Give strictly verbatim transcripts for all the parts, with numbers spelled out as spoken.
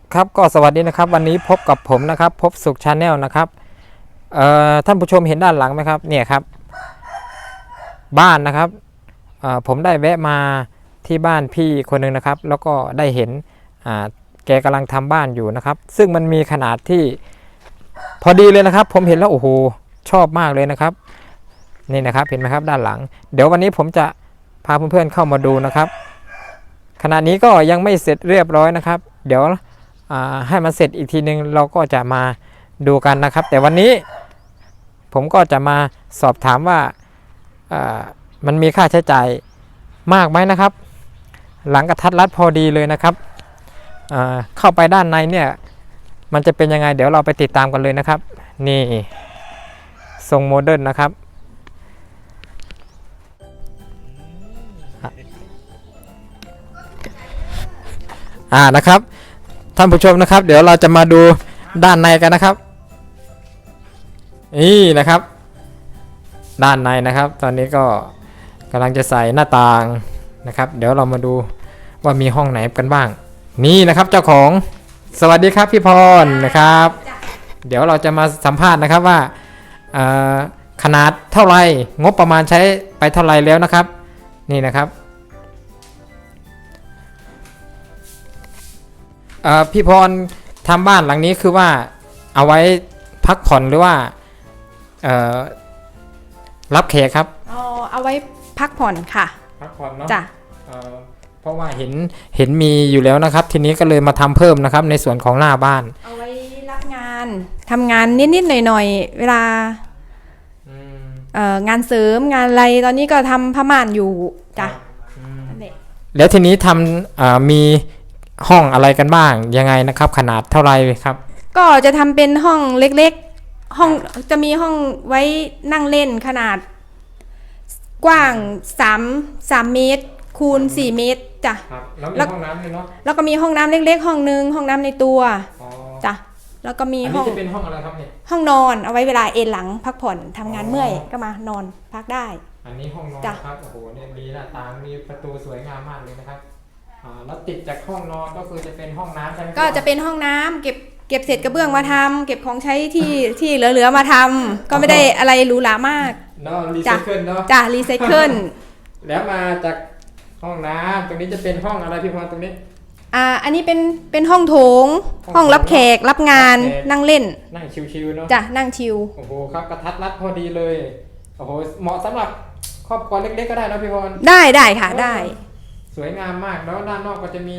ครับก็สวัสดีนะครับวันนี้พบกับผมนะครับพบสุขชาแนลนะครับเอ่อท่านผู้ชมเห็นด้านหลังไหมครับเนี่ยครับบ้านนะครับเอ่อผมได้แวะมาที่บ้านพี่คนหนึ่งนะครับแล้วก็ได้เห็นอ่าแกกำลังทำบ้านอยู่นะครับซึ่งมันมีขนาดที่พอดีเลยนะครับผมเห็นแล้วโอ้โหชอบมากเลยนะครับนี่นะครับเห็นไหมครับด้านหลังเดี๋ยววันนี้ผมจะพาเพื่อนๆเข้ามาดูนะครับขณะนี้ก็ยังไม่เสร็จเรียบร้อยนะครับเดี๋ยวให้มันเสร็จอีกทีนึงเราก็จะมาดูกันนะครับแต่วันนี้ผมก็จะมาสอบถามว่ามันมีค่าใช้จ่ายมากไหมนะครับหลังกระทัดรัดพอดีเลยนะครับเข้าไปด้านในเนี่ยมันจะเป็นยังไงเดี๋ยวเราไปติดตามกันเลยนะครับนี่ทรงโมเดิร์นนะครับอ่านะครับท่านผู้ชมนะครับเดี๋ยวเราจะมาดูด้านในกันนะครับนี่นะครับด้านในนะครับตอนนี้ก็กำลังจะใส่หน้าต่างนะครับเดี๋ยวเรามาดูว่ามีห้องไหนกันบ้างนี่นะครับเจ้าของสวัสดีครับพี่พรนะครับเดี๋ยวเราจะมาสัมภาษณ์นะครับว่าขนาดเท่าไหร่งบประมาณใช้ไปเท่าไหร่แล้วนะครับนี่นะครับพี่พรทำบ้านหลังนี้คือว่าเอาไว้พักผ่อนหรือว่ารับแขกครับอ๋อเอาไว้พักผ่อนค่ะพักผ่อนเนาะจ้ะเพราะว่าเห็นเห็นมีอยู่แล้วนะครับทีนี้ก็เลยมาทำเพิ่มนะครับในส่วนของหน้าบ้านเอาไว้รับงานทำงานนิดๆหน่อยๆเวลางานเสริมงานอะไรตอนนี้ก็ทำผ้าม่านอยู่จ้ะแล้วทีนี้ทำมีห้องอะไรกันบ้างยังไงนะครับขนาดเท่าไรครับก็จะทำเป็นห้องเล็กๆห้องจะมีห้องไว้นั่งเล่นขนาดกว้างสาม สามเมตรคูณสี่เมตรจ้ะแล้วมีห้องน้ำด้วยเนาะแล้วก็มีห้องน้ำเล็กๆห้องนึงห้องน้ำในตัวจ้ะแล้วก็มีห้องอันนี้จะเป็นห้องอะไรครับเนี่ยห้องนอนเอาไว้เวลาเอนหลังพักผ่อนทำงานเมื่อยก็มานอนพักได้อันนี้ห้องนอนครับโอ้โหเนี่ยมีหน้าต่างมีประตูสวยงามมากเลยนะครับแล้วติดจากห้องนอนก็คือจะเป็นห้องน้ำใช่ไหมก็จะเป็นห้องน้ำเก็บเก็บเศษกระเบื้องมาทำเก็บของใช้ที่ที่เหลือๆมาทำก็ไม่ได้อะไรหรูหรามากเนาะรีไซเคิลเนาะจ้ะรีไซเคิลแล้วมาจากห้องน้ำตรงนี้จะเป็นห้องอะไรพี่พรตรงนี้อ่าอันนี้เป็นเป็นห้องโถงห้องรับแขกรับงานนั่งเล่นนั่งชิวๆเนาะจ้ะนั่งชิวโอ้โหครับกระทัดรัดพอดีเลยโอ้โหเหมาะสำหรับครอบครัวเล็กๆก็ได้นะพี่พรได้ได้ค่ะได้สวยงามมากแล้วด้านนอกก็จะมี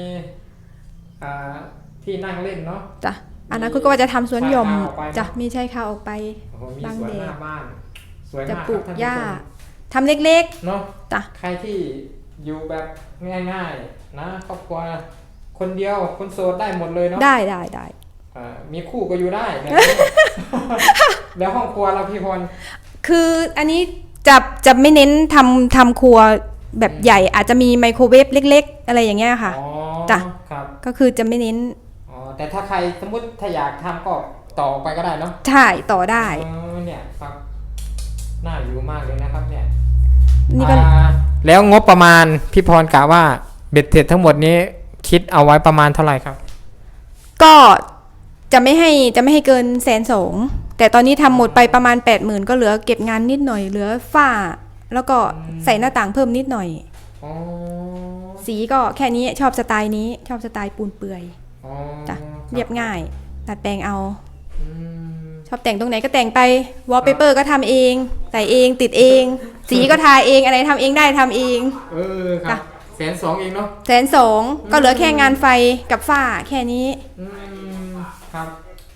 ที่นั่งเล่นเนาะจ้ะอันนั้นคุณก็ว่าจะทำสวนหย่อมจ้ะมีใช่ค่ะออกไปบางเดชจะปลูกหญ้าทำเล็กๆเนาะจ้ะใครที่อยู่แบบง่ายๆนะครอบครัวคนเดียวคนโสดได้หมดเลยเนาะได้ได้ได้มีคู่ก็อยู่ได้ แล้วห้องครัวเราพี่พรคืออันนี้จะจะไม่เน้นทำทำครัวแบบใหญ่อาจจะมีไมโครเวฟเล็กๆอะไรอย่างเงี้ยค่ะจ้ะก็คือจะไม่เน้นอ๋อแต่ถ้าใครสมมติถ้าอยากทำก็ต่อไปก็ได้เนาะใช่ต่อได้เนี่ยครับน่าอยู่มากเลยนะครับเนี่ยนี่ก็แล้วงบประมาณพี่พรกะว่าเบ็ดเสร็จทั้งหมดนี้คิดเอาไว้ประมาณเท่าไหร่ครับก็จะไม่ให้จะไม่ให้เกินแสนสองแต่ตอนนี้ทำหมดไปประมาณแปดหมื่นก็เหลือเก็บงานนิดหน่อยเหลือฝ้าแล้วก็ใส่หน้าต่างเพิ่มนิดหน่อยสีก็แค่นี้ชอบสไตล์นี้ชอบสไตล์ปูนเปื่อยจ้ะเรียบง่ายตัดแปลงเอาชอบแต่งตรงไหนก็แต่งไปวอลเปเปอร์ก็ทำเองใส่เองติดเองสีก็ทาเองอะไรทำเองได้ทำเองเออครับแสนสองเองเนาะแสนสองก็เหลือแค่งานไฟกับฝ้าแค่นี้ครับ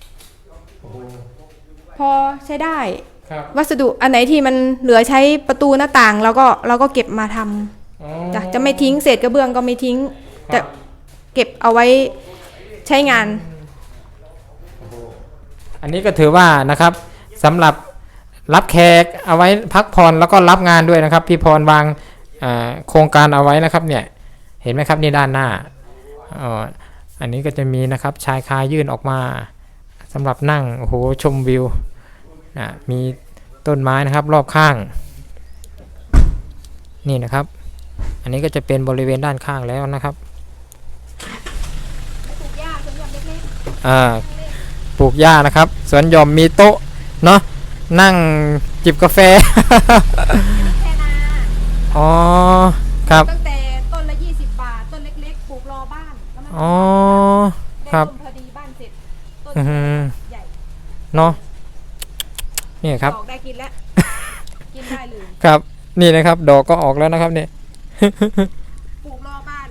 พอใช้ได้วัสดุอันไหนที่มันเหลือใช้ประตูหน้าต่างเราก็เราก็เก็บมาทำจะจะไม่ทิ้งเศษกระเบื้องก็ไม่ทิ้งแต่เก็บเอาไว้ใช้งานอันนี้ก็ถือว่านะครับสำหรับรับแขกเอาไว้พักผ่อนแล้วก็รับงานด้วยนะครับพี่พรวางโครงการเอาไว้นะครับเนี่ยเห็นไหมครับนี่ด้านหน้าอ๋ออันนี้ก็จะมีนะครับชายคายื่นออกมาสำหรับนั่งโอ้โหชมวิวนะมีต้นไม้นะครับรอบข้างนี่นะครับอันนี้ก็จะเป็นบริเวณด้านข้างแล้วนะครับปลูกหญ้าสวนหย่อมเล็กอ่าปลูกหญ้านะครับสวนหย่อมมีโต๊ะเนาะนั่งจิบกาแฟแค่นาอ๋อครับตั้งแต่ต้นละยี่สิบบาทต้นเล็กๆปลูกรอบ้านแล้วมันอ๋อได้ครับต้นพอดีบ้านเสร็จต้นอือหือใหญ่เนาะนี่ครับดอกได้กินแล้ว กินได้เลยครับนี่นะครับดอกก็ออกแล้วนะครับเนี่ยปลูกรอบ้าน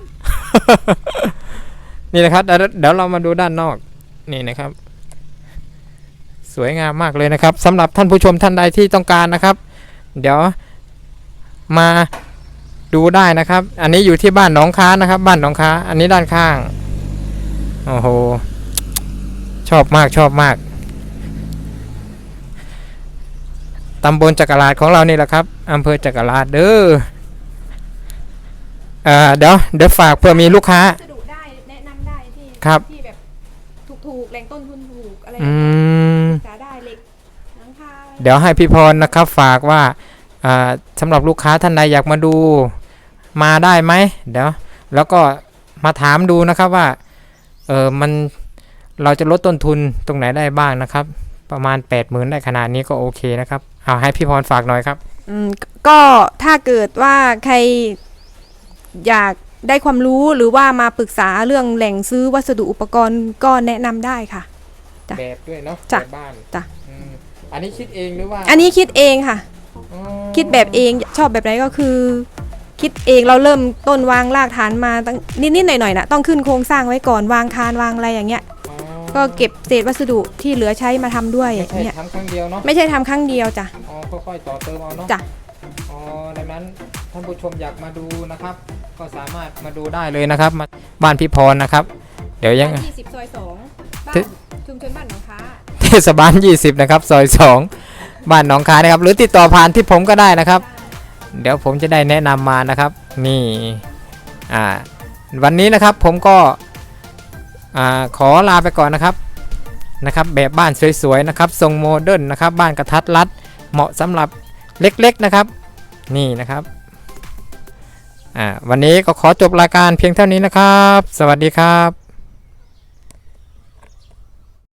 นี่นะครับเดี๋ยวเดี๋ยวเรามาดูด้านนอกนี่นะครับ สวยงามมากเลยนะครับสำหรับท่านผู้ชมท่านใดที่ต้องการนะครับ เดี๋ยวมาดูได้นะครับ อันนี้อยู่ที่บ้านหนองค้านะครับ บ้านหนองค้า อันนี้ด้านข้างโอ้โหชอบมากชอบมากตำบลจักราชของเรานี่แหละครับอำเภอจักราชเด้อเอ่อเดี๋ยวเดี๋ยวฝากเพื่อมีลูกค้าสะดุได้แนะนำได้ที่ครับที่แบบถูกๆแหล่งต้นทุนถูกอะไรอืมสาได้เหล็กหลังคาเดี๋ยวให้พี่พรนะครับฝากว่าอ่าสำหรับลูกค้าท่านใดอยากมาดูมาได้ไหมเดี๋ยวแล้วก็มาถามดูนะครับว่าเออมันเราจะลดต้นทุนตรงไหนได้บ้างนะครับ ประมาณ แปดหมื่น ได้ขนาดนี้ก็โอเคนะครับเอาให้พี่พรฝากหน่อยครับอืมก็ถ้าเกิดว่าใครอยากได้ความรู้หรือว่ามาปรึกษาเรื่องแหล่งซื้อวัสดุอุปกรณ์ก็แนะนำได้ค่ะ จ้ะแบบด้วยเนาะจ้ะแบบบ้านจ้ะอืมอันนี้คิดเองหรือว่าอันนี้คิดเองค่ะอ๋อคิดแบบเองชอบแบบไหนก็คือ คิดเองเราเริ่มต้นวางรากฐานมาตั้งนิดๆหน่อยๆนะต้องขึ้นโครงสร้างไว้ก่อนวางคานวางอะไรอย่างเงี้ยอ๋อก็เก็บเศษวัสดุที่เหลือใช้มาทำด้วยไม่ใช่เนี่ยทำครั้งเดียวเนาะไม่ใช่ทำครั้งเดียวจ้ะอ๋อค่อยๆต่อเติมเอาเนาะจ้ะอ๋อดังนั้นท่านผู้ชมอยากมาดูนะครับ ก็สามารถมาดูได้เลยนะครับมาบ้านพี่พรนะครับ เดี๋ยวยังบ้านยี่สิบซอยสองบ้าทึนชุมชนบ้านหนองค้าเทศบาลยี่สิบนะครับซอยสองบ้านหนองคายนะครับ หรือติดต่อผ่านที่ผมก็ได้นะครับ เดี๋ยวผมจะได้แนะนำมานะครับ นี่อ่าวันนี้นะครับผมก็อ่าขอลาไปก่อนนะครับนะครับ แบบบ้านสวยๆนะครับทรงโมเดิร์นนะครับ บ้านกระทัดรัดเหมาะสำหรับเล็กๆนะครับ นี่นะครับอ่าวันนี้ก็ขอจบรายการเพียงเท่านี้นะครับ สวัสดีครับ